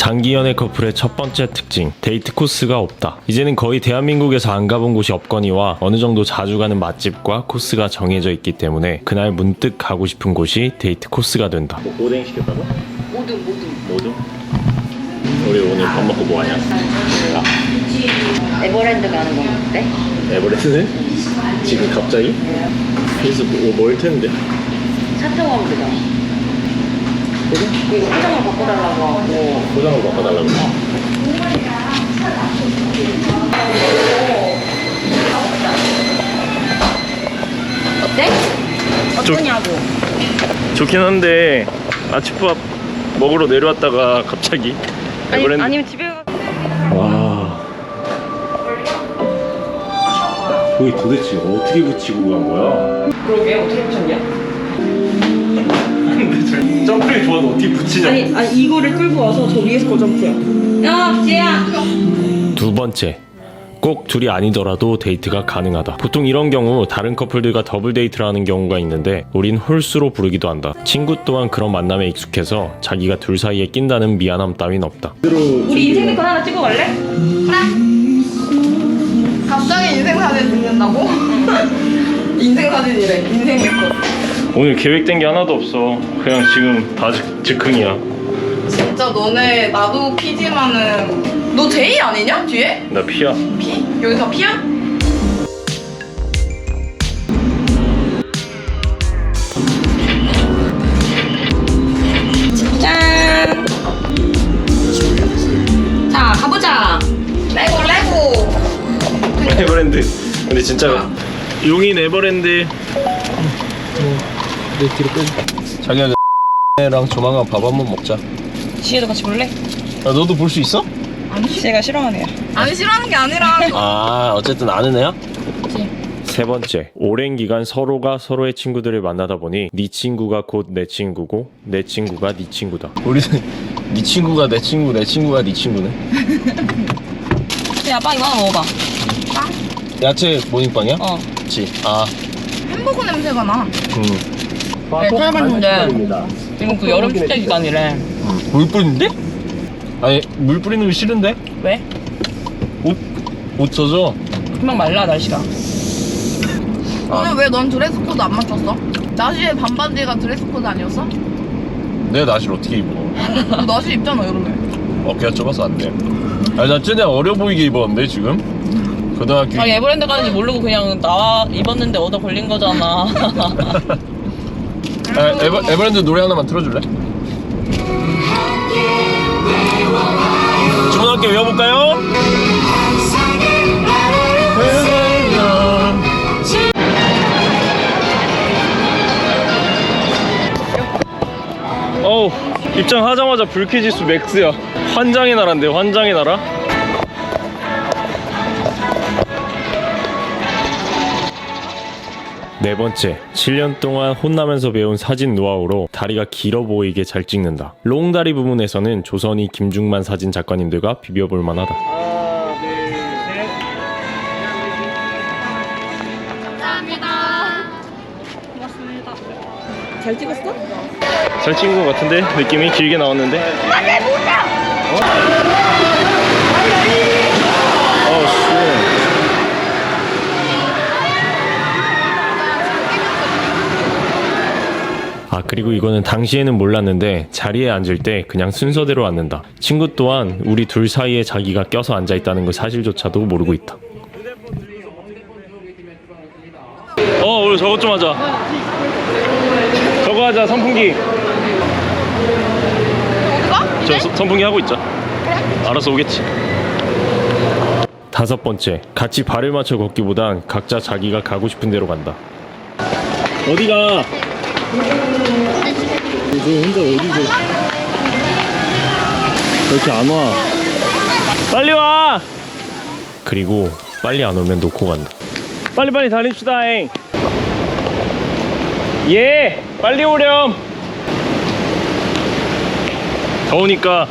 장기 연애 커플의 첫 번째 특징, 데이트 코스가 없다. 이제는 거의 대한민국에서 안 가본 곳이 없거니와 어느 정도 자주 가는 맛집과 코스가 정해져 있기 때문에 그날 문득 가고 싶은 곳이 데이트 코스가 된다. 오뎅 시켰다고? 모두? 우리 오늘 밥 먹고 뭐 하냐? 에버랜드 가는 건 어때? 에버랜드는? 지금 갑자기? 그래서 뭘 텐데? 차 타고 가면 되잖아. 이거 포장을 바꿔달라고 하고. 포장을 바꿔달라고? 어때? 어떠냐고. 좋긴 한데 아침밥 먹으러 내려왔다가 갑자기 에버랜드. 아니면 집에 가. 와, 거기 도대체 어떻게 붙이고 간 거야? 그러게 어떻게 붙였냐? 근데 점프력이 좋아도 어떻게 붙이냐? 아니 이거를 끌고 와서 저 위에서 거 점프야. 야 지혜야. 두 번째, 꼭 둘이 아니더라도 데이트가 가능하다. 보통 이런 경우 다른 커플들과 더블 데이트를 하는 경우가 있는데 우린 홀수로 부르기도 한다. 친구 또한 그런 만남에 익숙해서 자기가 둘 사이에 낀다는 미안함 따윈 없다. 우리 인생 네컷 하나 찍어 갈래? 갑자기 인생 사진 찍는다고? 인생 사진이래. 인생 네컷. 오늘 계획된 게 하나도 없어. 그냥 지금 다 즉흥이야. 진짜 너네 나도 P지만은 너 J 아니냐? 뒤에? 나 P야. P? 여기 다 P야? 짠. 자 가보자. 레고. 에버랜드. 근데 진짜 용인 에버랜드. 내 뒤로 빼. 자기야, 랑 조만간 밥 한번 먹자. 지혜도 같이 볼래? 아, 너도 볼 수 있어? 지혜가 싫어하네요. 아니 싫어하는 게 아니라 아, 어쨌든 아는 애야? 그치. 세 번째, 오랜 기간 서로가 서로의 친구들을 만나다 보니 네 친구가 곧 내 친구고 내 친구가 네 친구다. 우리는 네 친구가 내 친구, 내 친구가 네 친구네. 야 빵 이거 하나 먹어봐. 야채 모닝빵이야? 어. 그치. 아, 햄버거 냄새가 나. 네, 찾아봤는데 지금 그 여름 축제 기간이래. 물 뿌리는데? 아니, 물 뿌리는 거 싫은데? 왜? 옷 젖어. 금방 말라 날씨가. 오늘 왜 넌 드레스 코드 안 맞췄어? 나시에 반바지가 드레스 코드 아니었어? 내가 나시를 어떻게 입어? 너 나시 입잖아 여름에. 어깨가 좁아서 안 돼. 아니, 나 쟤네 어려 보이게 입었는데 지금? 고등학교. 아 에버랜드 가는지 모르고 그냥 나와 입었는데 얻어 걸린 거잖아. 아, 에버랜드 노래 하나만 틀어줄래? 주문할게 외워볼까요? 어우, 입장하자마자 불쾌지수 맥스야. 환장의 나라인데, 환장의 나라? 네 번째, 7년 동안 혼나면서 배운 사진 노하우로 다리가 길어 보이게 잘 찍는다. 롱다리 부분에서는 조선이 김중만 사진 작가님들과 비벼볼 만하다. 하나, 둘, 셋. 감사합니다. 고맙습니다. 잘 찍었어? 잘 찍은 것 같은데? 느낌이 길게 나왔는데? 아, 그리고 이거는 당시에는 몰랐는데 자리에 앉을 때 그냥 순서대로 앉는다. 친구 또한 우리 둘 사이에 자기가 껴서 앉아있다는 그 사실조차도 모르고 있다. 우리 저것 좀 하자. 저거 하자. 선풍기. 어디가? 선풍기 하고 있자. 알아서 오겠지. 다섯 번째, 같이 발을 맞춰 걷기보단 각자 자기가 가고 싶은 데로 간다. 어디가? 너 혼자 어디서? 그렇게 안 와. 빨리 와! 그리고 빨리 안 오면 놓고 간다. 빨리빨리 다닙시다잉. 예! 빨리 오렴! 더우니까.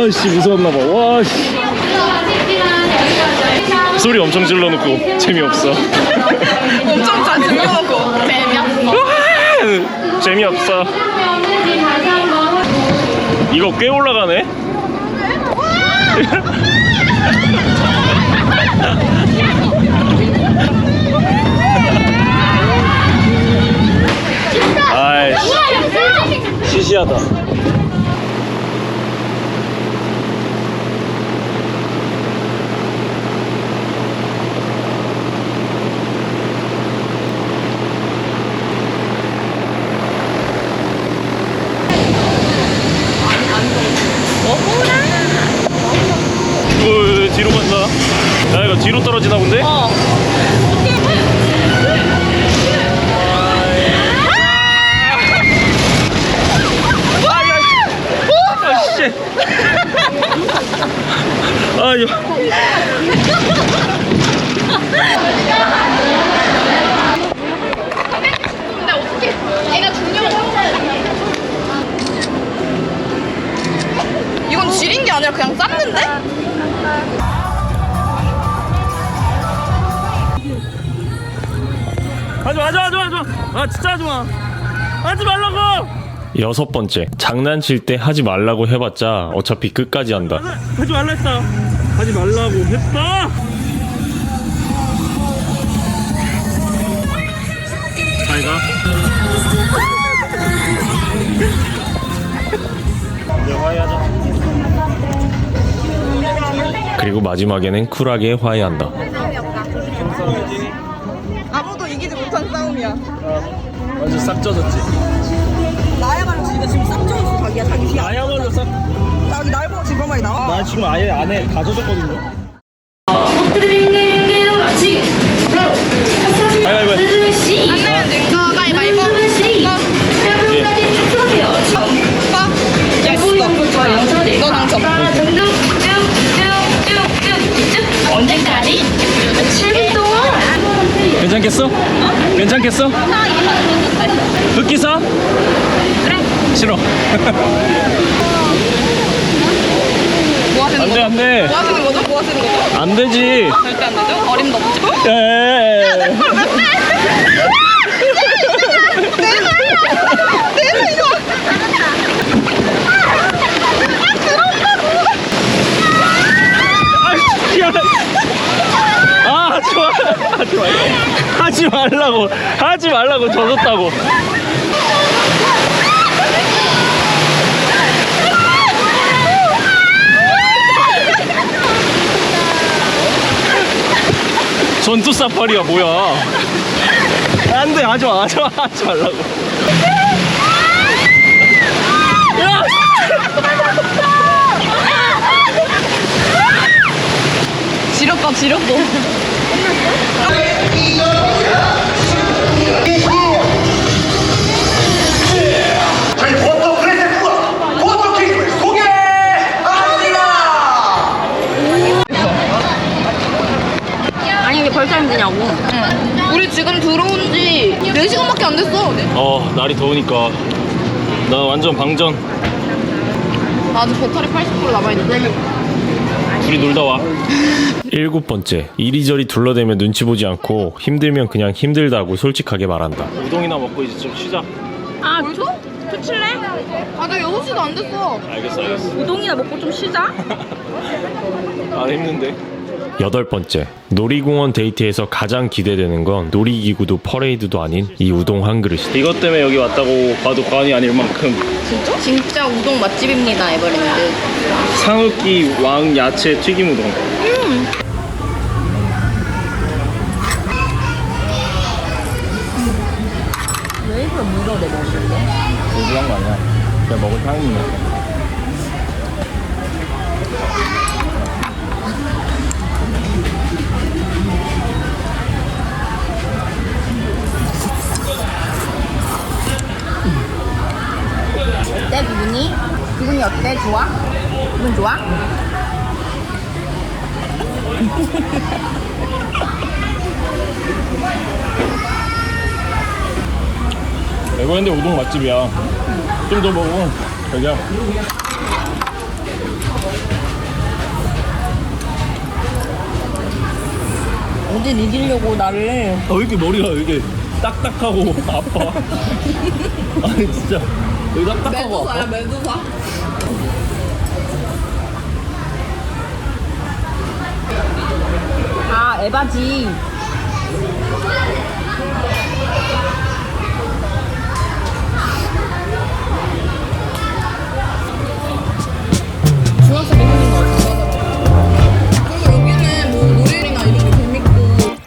씨 무서웠나봐. 와 씨. 소리 엄청 질러놓고 재미없어. 엄청 잘 들려놓고 재미없어. 재미없어. 이거 꽤 올라가네. 아이씨 시시하다. 뒤로 간다. 야 이거 뒤로 떨어지나 본데? 아유. 근데 어떻게 애가 중요한 이건 지린 게 아니라 그냥 쌌는데? 하지마. 아 진짜 하지마. 하지 말라고. 여섯 번째, 장난칠 때 하지 말라고 해봤자 어차피 끝까지 한다. 하지 말라 했다. 하지 말라고 했다. 잘 가. 이제 화해하자. 그리고 마지막에는 쿨하게 화해한다. 아무도 이기지 못한 싸움이야. 완전 싹 젖었지. 나야말로 지금 싹 쪄있어 자기야 자기 뒤에. 나야말로 싹. 자기 날 보고 지금 많이 나와. 나 지금 아예 안에 다 젖었거든요. 가위바위보. 안 내면 된거 가위바위보. 너 당첨. 언제까지? 7분 동안. 괜찮겠어? 괜찮겠어? 흑기사? 그래. 싫어. 뭐 하시는 거죠? 안 돼. 뭐 하시는 거죠? 뭐 하시는 거죠? 안 되지. 절대 안 되죠? 어림도 없죠? 에. 아, 좋아. 하지 말라고 젖었다고. 전투 사파리야 뭐야? 안돼 하지 말라고. 야! 지렸고. 저희 보통 크레센트와 보통 케이크를 소개합니다. 아니 이게 벌써 힘드냐고. 우리 지금 들어온 지 4시간밖에 안 됐어. 날이 더우니까 나 완전 방전. 아직 배터리 80% 남아있는데. 둘이 놀다 와. 일곱 번째, 이리저리 둘러대며 눈치 보지 않고 힘들면 그냥 힘들다고 솔직하게 말한다. 우동이나 먹고 이제 좀 쉬자. 아 토칠래? 아직 6시도 안 됐어. 알겠어. 우동이나 먹고 좀 쉬자. 아 힘든데. 여덟 번째, 놀이공원 데이트에서 가장 기대되는 건 놀이기구도 퍼레이드도 아닌 이 우동 한 그릇이다. 이것 때문에 여기 왔다고 봐도 과언이 아닐 만큼 진짜? 진짜 우동 맛집입니다, 에버랜드. 상흑기 왕 야채 튀김 우동. 왜 이걸 물어 내 먹는데? 너무한 거 아니야? 그냥 먹을 타이밍이야. 어때, 기분이? 기분이 어때? 좋아? 기분 좋아? 에버랜드 우동 맛집이야. 좀 더 먹어. 자기야. 어딜 이기려고 나를. 왜 이렇게 머리가 이렇게 딱딱하고 아파? 아니 진짜 여기 딱딱하고 아파? 매두사. 아, 에바지. 중학생 매너인 것 같아. 그리고 여기는 뭐 노래나 이런 게 재밌고.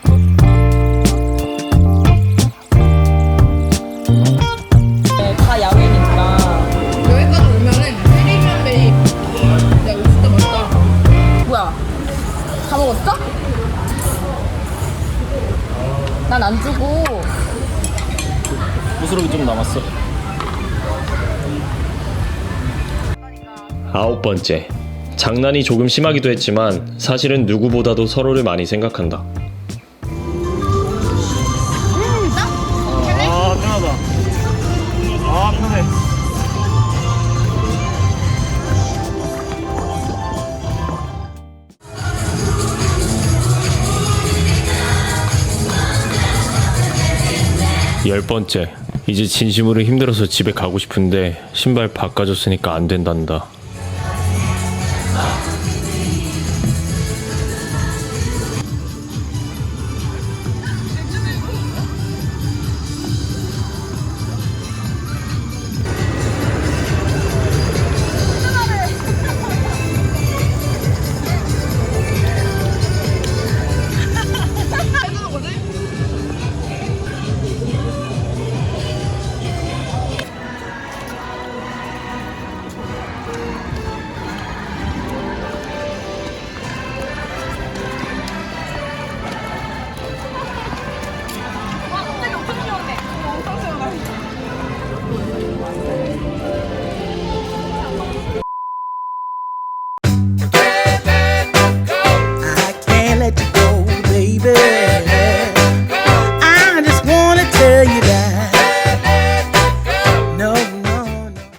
네, 다 야외니까. 여기까지 오면은 페리면 베이. 야 이거 진짜 맛있다. 뭐야? 다 먹었어? 난 안 주고. 부스러기 좀 남았어. 9번째. 장난이 조금 심하기도 했지만 사실은 누구보다도 서로를 많이 생각한다. 아 편하다. 아 편해. 열 번째. 이제 진심으로 힘들어서 집에 가고 싶은데 신발 바꿔줬으니까 안 된단다. I can't let you go, baby.